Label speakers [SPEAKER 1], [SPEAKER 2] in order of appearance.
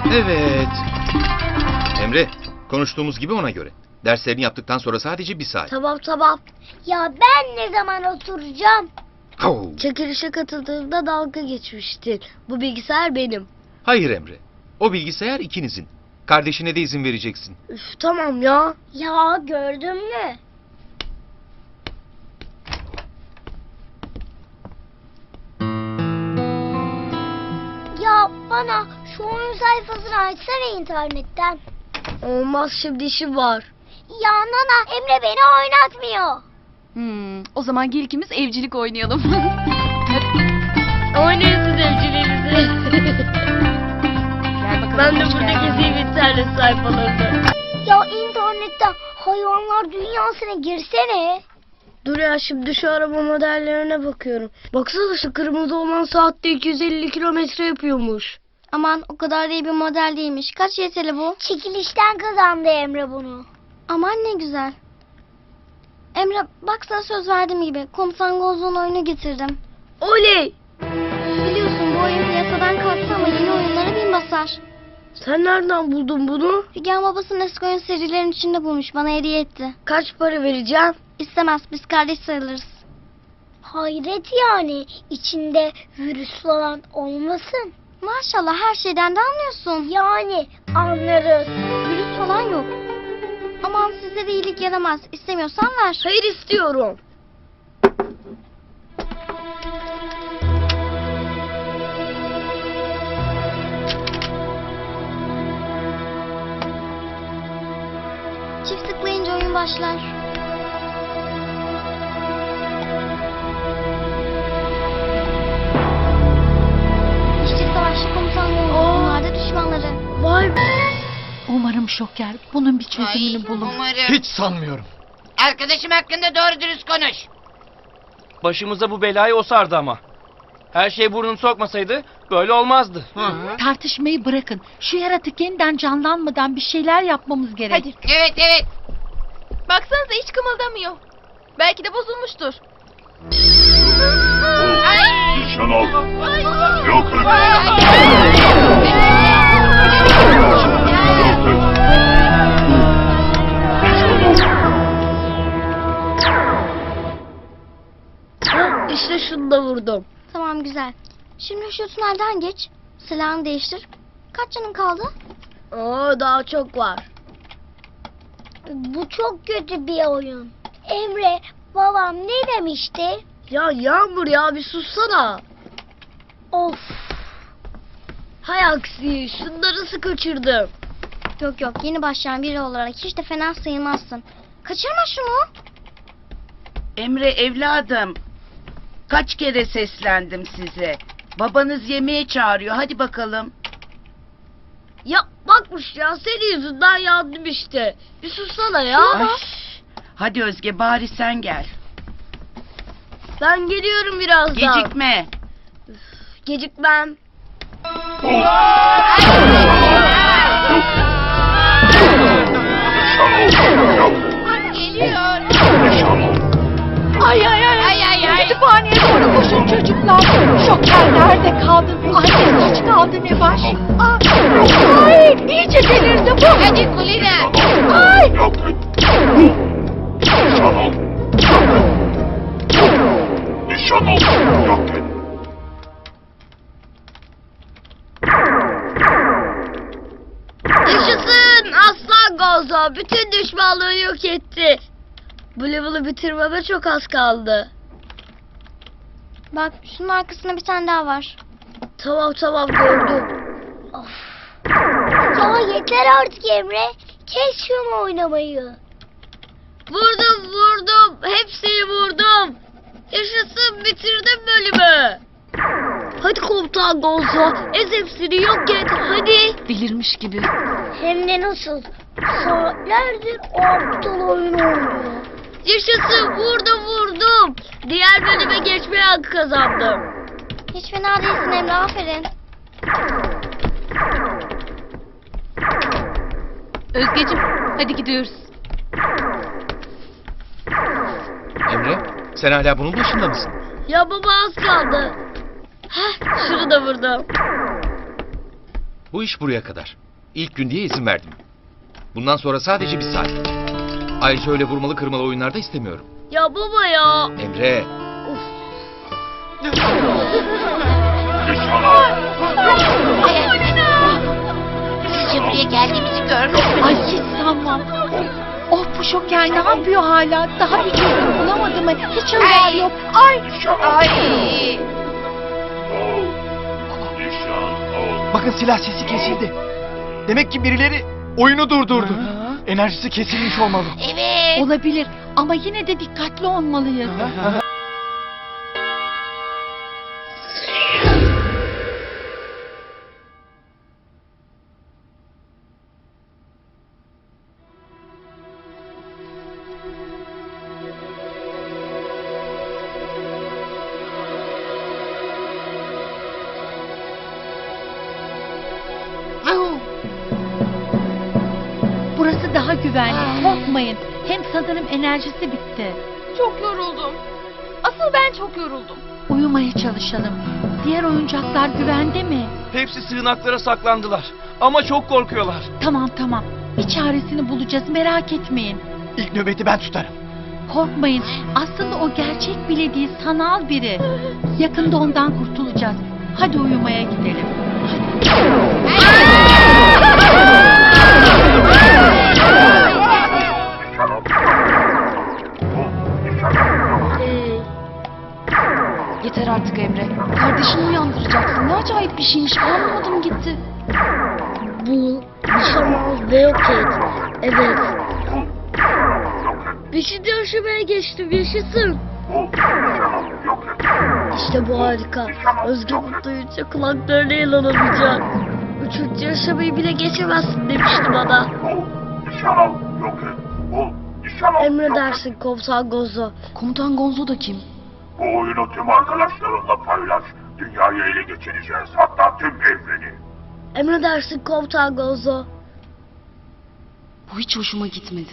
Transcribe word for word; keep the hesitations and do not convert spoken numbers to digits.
[SPEAKER 1] Evet. Emre, konuştuğumuz gibi ona göre. Derslerini yaptıktan sonra sadece bir saat.
[SPEAKER 2] Tamam tamam. Ya ben ne zaman oturacağım?
[SPEAKER 1] Au!
[SPEAKER 2] Çekilişe katıldığımda dalga geçmiştin. Bu bilgisayar benim.
[SPEAKER 1] Hayır Emre. O bilgisayar ikinizin. Kardeşine de izin vereceksin.
[SPEAKER 2] Üf, tamam ya. Ya gördün mü? Ya bana şu oyun sayfasını açsana internetten. Olmaz, şimdi işim var. Ya Nana, Emre beni oynatmıyor.
[SPEAKER 3] Hmm, o zaman gel ikimiz evcilik oynayalım.
[SPEAKER 2] Oynayasın evciliğinizi.
[SPEAKER 3] Gel bakalım.
[SPEAKER 2] Ben de
[SPEAKER 3] hoş
[SPEAKER 2] burada
[SPEAKER 3] geldin.
[SPEAKER 2] gezeyim internet sayfalarında. Ya internetten hayvanlar dünyasına girsene. Dur ya, şimdi şu araba modellerine bakıyorum. Baksana, şu kırmızı olan saatte iki yüz elli kilometre yapıyormuş.
[SPEAKER 4] Aman o kadar iyi bir model değilmiş. Kaç Y T L bu?
[SPEAKER 2] Çekilişten kazandı Emre bunu.
[SPEAKER 4] Aman ne güzel. Emre bak, sana söz verdiğim gibi Komutan Gozlu'nun oyunu getirdim.
[SPEAKER 2] Oley!
[SPEAKER 4] Biliyorsun bu oyun piyasadan kalktı ama yeni oyunlara bin basar.
[SPEAKER 2] Sen nereden buldun bunu?
[SPEAKER 4] Figen babasının eski oyun serilerinin içinde bulmuş, bana hediye etti.
[SPEAKER 2] Kaç para vereceğim?
[SPEAKER 4] İstemez, biz kardeş sayılırız.
[SPEAKER 2] Hayret yani, içinde virüs falan olmasın.
[SPEAKER 4] Maşallah her şeyden de anlıyorsun.
[SPEAKER 2] Yani anlarız.
[SPEAKER 4] Virüs falan yok. Aman size de iyilik yaramaz. İstemiyorsan ver.
[SPEAKER 2] Hayır, istiyorum.
[SPEAKER 4] Çift tıklayınca oyun başlar. İşte savaşçı komutan Gozlu. Onlar da düşmanları.
[SPEAKER 2] Vay be.
[SPEAKER 3] Umarım Şoker bunun bir çözümünü bulur.
[SPEAKER 5] Umarım.
[SPEAKER 1] Hiç sanmıyorum.
[SPEAKER 5] Arkadaşım hakkında doğru dürüst konuş.
[SPEAKER 6] Başımıza bu belayı o sardı ama. Her şey burnunu sokmasaydı böyle olmazdı.
[SPEAKER 3] Tartışmayı bırakın. Şu yaratık yeniden canlanmadan bir şeyler yapmamız gerek. Hadi.
[SPEAKER 5] Evet evet.
[SPEAKER 3] Baksanıza hiç kımıldamıyor. Belki de bozulmuştur.
[SPEAKER 7] Nişan al. Yok et.
[SPEAKER 2] Ha, işte şunu da vurdum.
[SPEAKER 4] Tamam, güzel. Şimdi şu tünelden geç. Silahını değiştir. Kaç canın kaldı?
[SPEAKER 2] Oo, daha çok var. Bu çok kötü bir oyun. Emre, babam ne demişti? Ya Yağmur ya, bir sussana. Of. Hay aksi, şunları nasıl kaçırdım?
[SPEAKER 4] Yok yok, yeni başlayan biri olarak hiç de fena sayılmazsın. Kaçırma şunu.
[SPEAKER 8] Emre evladım, kaç kere seslendim size. Babanız yemeğe çağırıyor, hadi bakalım.
[SPEAKER 2] Ya bakmış ya, senin yüzünden yandım işte. Bir sussana ya.
[SPEAKER 8] Ay, hadi Özge, bari sen gel.
[SPEAKER 2] Ben geliyorum birazdan.
[SPEAKER 8] Gecikme.
[SPEAKER 2] Gecikmem.
[SPEAKER 5] Geliyor.
[SPEAKER 7] Nişan al.
[SPEAKER 3] Ay ay ay.
[SPEAKER 5] Ay ay ay.
[SPEAKER 3] Kütüphaneye doğru koşun çocuklar. Şoker nerede kaldı? Anne hiç kaldı ne baş? Aa, ay iyice delirdi bu.
[SPEAKER 5] Hadi Kulina.
[SPEAKER 3] Ay.
[SPEAKER 7] Yok et. Nişan al. Nişan al. Yok et.
[SPEAKER 2] Yaşasın aslan Gozo. Bütün düşmanlığı yok etti. Bu level'ı bitirmeme çok az kaldı.
[SPEAKER 4] Bak şunun arkasında bir tane daha var.
[SPEAKER 2] Tamam tamam, gördüm. Of. Ya yeter artık Emre. Kes şunu oynamayı. Vurdum vurdum. Hepsini vurdum. Yaşasın, bitirdim bölümü. Hadi komutan Gozo. Ez hepsini, yok et hadi.
[SPEAKER 3] Delirmiş gibi.
[SPEAKER 2] Hem de nasıl? Saatlerdir o aptal oyunu oynuyor. Yaşasın, vurdum vurdum. Diğer bölüme geçmeye hakkı kazandım.
[SPEAKER 4] Hiç fena değilsin Emre, aferin.
[SPEAKER 3] Özgeciğim hadi gidiyoruz.
[SPEAKER 1] Emre, sen hala bunun başında mısın?
[SPEAKER 2] Ya baba, az kaldı. Heh, şunu da vurdum.
[SPEAKER 1] Bu iş buraya kadar. İlk gün diye izin verdim. Bundan sonra sadece bir saat. Ayrıca öyle vurmalı kırmalı oyunlarda istemiyorum.
[SPEAKER 2] Ya baba ya.
[SPEAKER 1] Emre,
[SPEAKER 7] Nişan al.
[SPEAKER 5] Sizce buraya geldiğimizi görmüş
[SPEAKER 3] Ay
[SPEAKER 5] müydünüz?
[SPEAKER 3] hiç sanmam. Oh bu şoker ne yapıyor hala? Daha bir çözüm bulamadı mı? Hiç haber
[SPEAKER 5] Ay.
[SPEAKER 3] yok. Ay.
[SPEAKER 7] Nişan al.
[SPEAKER 5] Ay.
[SPEAKER 7] Al. Nişan al.
[SPEAKER 9] Bakın silah sesi kesildi. Demek ki birileri oyunu durdurdu. Enerjisi kesilmiş olmalı.
[SPEAKER 5] Evet.
[SPEAKER 3] Olabilir ama yine de dikkatli olmalıyız. Burası daha güvenli. Korkmayın. Hem sanırım enerjisi bitti.
[SPEAKER 10] Çok yoruldum. Asıl ben çok yoruldum.
[SPEAKER 3] Uyumaya çalışalım. Diğer oyuncaklar güvende mi?
[SPEAKER 6] Hepsi sığınaklara saklandılar. Ama çok korkuyorlar.
[SPEAKER 3] Tamam tamam. Bir çaresini bulacağız merak etmeyin.
[SPEAKER 9] İlk nöbeti ben tutarım.
[SPEAKER 3] Korkmayın. Aslında o gerçek bile değil sanal biri. Yakında ondan kurtulacağız. Hadi uyumaya gidelim.
[SPEAKER 7] Nişan al. Bu nişan al.
[SPEAKER 2] Hey.
[SPEAKER 10] Yeter artık Emre. Kardeşini uyandıracaksın. Ne acayip bir şeymiş. Anlamadım gitti.
[SPEAKER 2] Bul, nişan al ve yok et. Evet. Beşinci aşamaya geçtim, yaşasın.
[SPEAKER 7] Bu nişan al. Yok et.
[SPEAKER 2] İşte bu harika. Özge bunu duyunca kulaklarına inanamayacak. Üçüncü aşamayı bile geçemezsin demişti bana.
[SPEAKER 7] Bu nişan al. Yok et. Bu nişan al.
[SPEAKER 2] Emredersin komutan Gozo.
[SPEAKER 10] Komutan Gonzo da kim?
[SPEAKER 7] Bu oyunu tüm arkadaşlarınla paylaş. Dünyayı ele geçireceğiz. Hatta tüm evreni.
[SPEAKER 2] Emredersin komutan Gozo.
[SPEAKER 10] Bu hiç hoşuma gitmedi.